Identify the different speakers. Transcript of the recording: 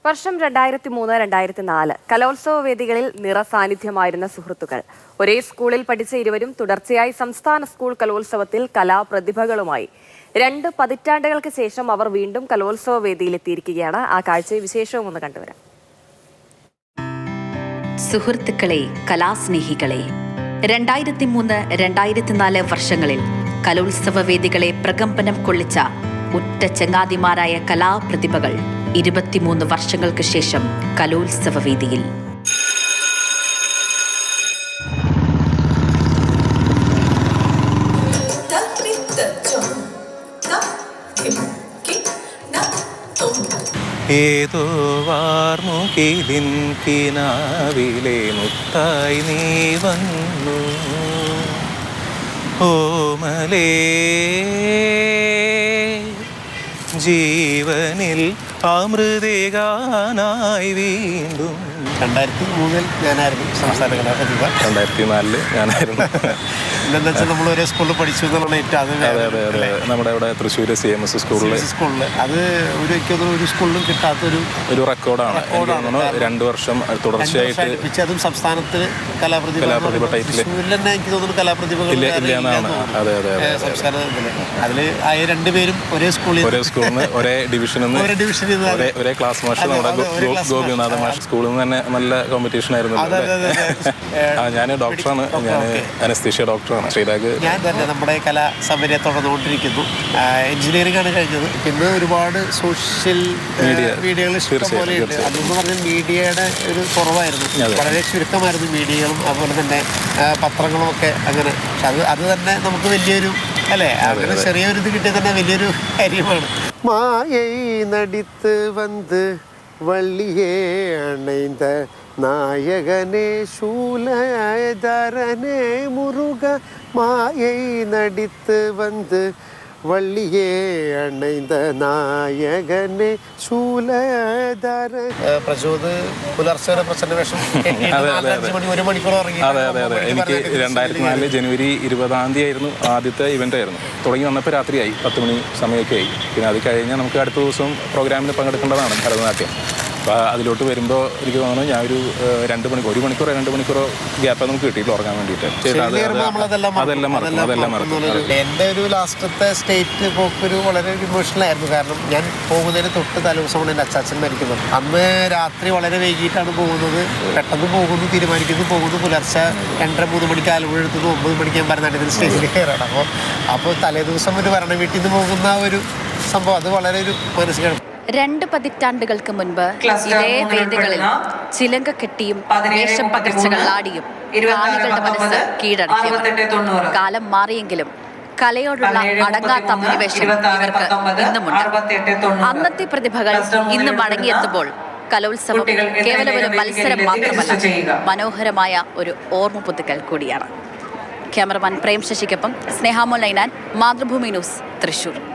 Speaker 1: വർഷം 2003-2004 കലോത്സവ വേദികളിൽ നിറസാന്നിധ്യമായിരുന്ന സുഹൃത്തുക്കൾ. ഒരേ സ്കൂളിൽ പഠിച്ച ഇരുവരും തുടർച്ചയായി സംസ്ഥാന സ്കൂൾ കലോത്സവത്തിൽ കലാപ്രതിഭകളുമായി. 2 പതിറ്റാണ്ടുകൾക്ക് ശേഷം അവർ വീണ്ടും കലോത്സവ വേദിയിലെത്തിയിരിക്കുകയാണ്. ആ കാഴ്ചയും വിശേഷവും ഒന്ന് കണ്ടുവരാം.
Speaker 2: സുഹൃത്തുക്കളെ, കലാസ്നേഹികളെ, 2003-2004 വർഷങ്ങളിൽ കലോത്സവ വേദികളെ പ്രകമ്പനം കൊള്ളിച്ച ഒറ്റ ചങ്ങാതിമാരായ കലാപ്രതിഭകൾ 23 വർഷങ്ങൾക്ക് ശേഷം കലോത്സവ വേദിയിൽ.
Speaker 3: ഏതോ വാർമുകിലിൻ കിനാവിലെ മുത്തായി നീ വന്നു ഓമലേ, ജീവനിൽ അമൃതേകാനായി വീണ്ടും.
Speaker 4: 2003 ഞാനായിരുന്നു സംസ്ഥാന കലാപ്രതിഭ.
Speaker 3: 2004 ഞാനായിരുന്നു.
Speaker 4: എന്താണെന്ന് വെച്ചാൽ നമ്മൾ ഒരേ സ്കൂളിൽ പഠിച്ചു എന്നുള്ളതാണ് ഏറ്റവും.
Speaker 3: അതെ, നമ്മുടെ ഇവിടെ തൃശ്ശൂർ CMS സ്കൂളിൽ
Speaker 4: അത് ഒരു സ്കൂളിലും കിട്ടാത്തൊരു
Speaker 3: റെക്കോർഡാണ്. 2 വർഷം തുടർച്ചയായിട്ട്
Speaker 4: അതും സംസ്ഥാനത്തിൽ കലാപ്രതിഭ ടൈറ്റിൽ എനിക്ക് തോന്നുന്നു കലാപ്രതിഭകൾ സംസ്ഥാനത്തിൽ. അതിൽ ആയ 2 പേരും ഒരേ സ്കൂളിൽ
Speaker 3: ഒരേ ഡിവിഷനിൽ നിന്ന് ഒരേ ക്ലാസ് മാഷ് നമ്മുടെ ഗോപിനാഥ മാഷ്. സ്കൂളിൽ നിന്ന് തന്നെ നല്ല കോമ്പറ്റീഷൻ ആയിരുന്നു. ഞാൻ ഡോക്ടറാണ്, ഞാൻ അനസ്തീഷ്യ ഡോക്ടറാണ്. ശ്രീരാഗ്
Speaker 4: ഞാൻ തന്നെ നമ്മുടെ കലാ സൗകര്യം തുടർന്നുകൊണ്ടിരിക്കുന്നു. എഞ്ചിനീയറിംഗ് ആണ് കഴിഞ്ഞത്. പിന്നെ ഒരുപാട് സോഷ്യൽ മീഡിയകൾ ഇഷ്ടംപോലെയുണ്ട്. അതെന്ന് പറഞ്ഞാൽ മീഡിയയുടെ ഒരു കുറവായിരുന്നു, വളരെ ചുരുക്കമായിരുന്നു മീഡിയകളും അതുപോലെ തന്നെ പത്രങ്ങളും ഒക്കെ. അങ്ങനെ പക്ഷെ അത് തന്നെ നമുക്ക് വലിയൊരു അല്ലേ, അങ്ങനെ ചെറിയൊരു ഇത് കിട്ടിയത് തന്നെ വലിയൊരു കാര്യമാണ്. മായൈ നടിത്ത് വന്ന് വള്ളിയേ അണൈந்த നായകനെ ശൂലധരനെ മുരുക, മായൈ നടിത്ത് വന്ന് വള്ളിയേ അണൈந்த നായകനെ ശൂലധര. പ്രചോദ് പുലർച്ചെ പ്രസന്ന വേഷം 1 മണിക്കൂർ ഇറങ്ങി.
Speaker 3: അതെ, എനിക്ക് 2004 ജനുവരി 20 ആയിരുന്നു ആദ്യത്തെ ഇവന്റ് ആയിരുന്നു. തുടങ്ങി വന്നപ്പോൾ രാത്രിയായി 10 മണി സമയമൊക്കെ ആയി. പിന്നെ അത് കഴിഞ്ഞാൽ നമുക്ക് അടുത്ത ദിവസം പ്രോഗ്രാമിന് പങ്കെടുക്കേണ്ടതാണ് ഭരതനാട്യം. അപ്പോൾ അതിലോട്ട് വരുമ്പോൾ എനിക്ക് തോന്നുന്നു ഞാൻ ഒരു 1 മണിക്കൂറോ ഗ്യാപ്പ് നമുക്ക് കിട്ടിയില്ല ഉറങ്ങാൻ വേണ്ടിയിട്ട്. അതെല്ലാം മറക്കും.
Speaker 4: എൻ്റെ ഒരു ലാസ്റ്റത്തെ സ്റ്റേറ്റ് പോക്കൊരു വളരെ ഇമോഷണലായിരുന്നു. കാരണം ഞാൻ പോകുന്നതിന് തൊട്ട് തലേദിവസമാണ് എൻ്റെ അച്ചാച്ചൻ മരിക്കുന്നത്. അന്ന് രാത്രി വളരെ വൈകിട്ടാണ് പോകുന്നത്. പെട്ടെന്ന് പോകുന്നു പുലർച്ചെ 2:30-3 മണിക്ക് ആലപ്പുഴ എടുത്തുനിന്ന് 9 മണിക്ക് ഞാൻ ഭരതനാട്യത്തിന് സ്റ്റേജിൽ കയറാണ്. അപ്പോൾ തലേദിവസം ഒരു ഭരണ വീട്ടിൽ നിന്ന് പോകുന്ന ഒരു സംഭവം അത് വളരെ ഒരു മാനസികമാണ്.
Speaker 2: 2 പതിറ്റാണ്ടുകൾക്ക് മുൻപ് ഇതേ വേദികളിൽ ചിലങ്ക കെട്ടിയും വേഷം പകർച്ചകളാടിയും കാണികളുടെ മനസ്സ് കീഴടക്കിയവർ. കാലം മാറിയെങ്കിലും കലയോടുള്ള അടങ്ങാത്ത അഭിനിവേശം ഇവർക്ക് ഇന്നുമുണ്ട്. അന്നത്തെ പ്രതിഭകൾ ഇന്ന് മടങ്ങിയെത്തുമ്പോൾ കലോത്സവം കേവലം ഒരു മത്സരം മാത്രമല്ല, മനോഹരമായ ഒരു ഓർമ്മ പുതുക്കൽ കൂടിയാണ്. ക്യാമറമാൻ പ്രേം ശശിക്കൊപ്പം സ്നേഹാമോൾ നൈനാൻ, മാതൃഭൂമി ന്യൂസ്, തൃശൂർ.